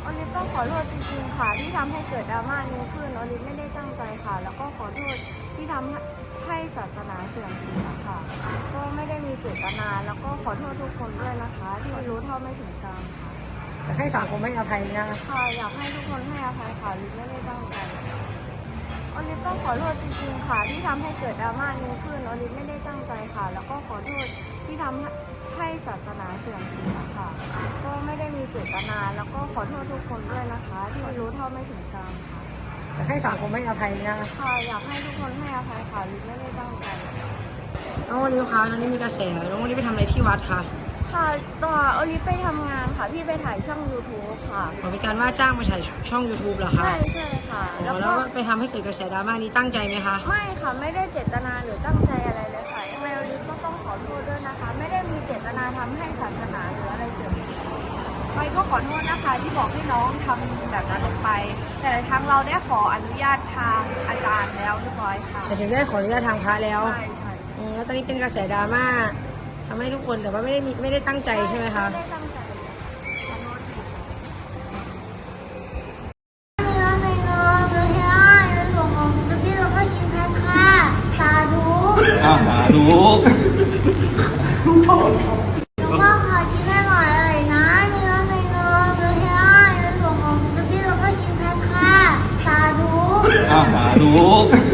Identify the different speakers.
Speaker 1: โอลิฟต้องขอโทษจริงๆค่ะที่ทำให้เกิดดราม่านี้ขึ้นโอลิฟไม่ได้ตั้งใจค่ะแล้วก็ขอโทษที่ทำให้ศาสนาเสื่อมเสียค่ะก็ไม่ได้มีเจตนาแล้วก็ขอโทษทุกคนด้วยนะคะที่รู้เท่าไม่ถึงการค่ะ
Speaker 2: อยากให้สังคมให้อภัยนะ
Speaker 1: ค่ะอยากให้ทุกคนให้อภัยค่ะโอลิฟไม่ได้ตั้งใจโอลิฟต้องขอโทษจริงๆค่ะที่ทำให้เกิดดราม่านี้ขึ้นโอลิฟไม่ได้ตั้งใจค่ะแล้วก็ขอโทษที่ทำให้ศาสนาเสื่อมเสียค่ะก็ไม่ได้มีเจตนาแล้วก็ขอโทษทุกคนด้วยนะคะที่รู้เท่าไม่ถึงการค่ะ
Speaker 2: อยากให้สังคมให้อภัยนะ
Speaker 1: ค่ะอยากให้ทุกคนให้อภัยค่ะลิฟไม่ได้ตั้งใจ
Speaker 2: น้องโอลิฟคะตอนนี้มีกระแสน้องโอลิฟไปทำอะไรที่วัดคะ
Speaker 1: ค่ะตอนโอลิฟไปทำงานค่ะพี่ไปถ่ายช่อง YouTube ค่ะ
Speaker 2: เป็นการว่าจ้างมาถ่ายช่อง YouTube เหรอคะ
Speaker 1: ใช่ค่ะ
Speaker 2: แล้วไปทำให้เกิดกระแสดราม่านี้ตั้งใจไหมคะ
Speaker 1: ไม่ค่ะไม่ได้เจตนาหรือตั้งใจอะไรเลยค่ะยังไงโอลิฟก็ต้องขอโทษด้วยนะคะไม่ได้มีเจตนาทำให้ศาสนาหรืออะไรเสื่อมเสียไปก็ขอโทษนะคะที่บอกให้น้องทำแบบนั้นลงไปแต่ทางเราได้ขออนุญาตทางอาจารย์แล้วเรียบร้อยค่ะ
Speaker 2: แต่ถึงได้ขออนุญาตทางพระแล้ว
Speaker 1: ใช่
Speaker 2: แล้วตอนนี้เป็นกระแสดราม่าทำให้ทุกคนแต่ว่าไม่ได้ตั้งใจใช่ไหมคะ
Speaker 1: ไม่ได้ตั้งใจ
Speaker 3: สาธุ
Speaker 1: หลวงพ่อขอกินให้หน่อยเลยนะเนื้อในเนื้อเนื้อให้ในหลวงของสุดที่เราก็กินแพ้ค่ะสาธุ
Speaker 3: สาธุ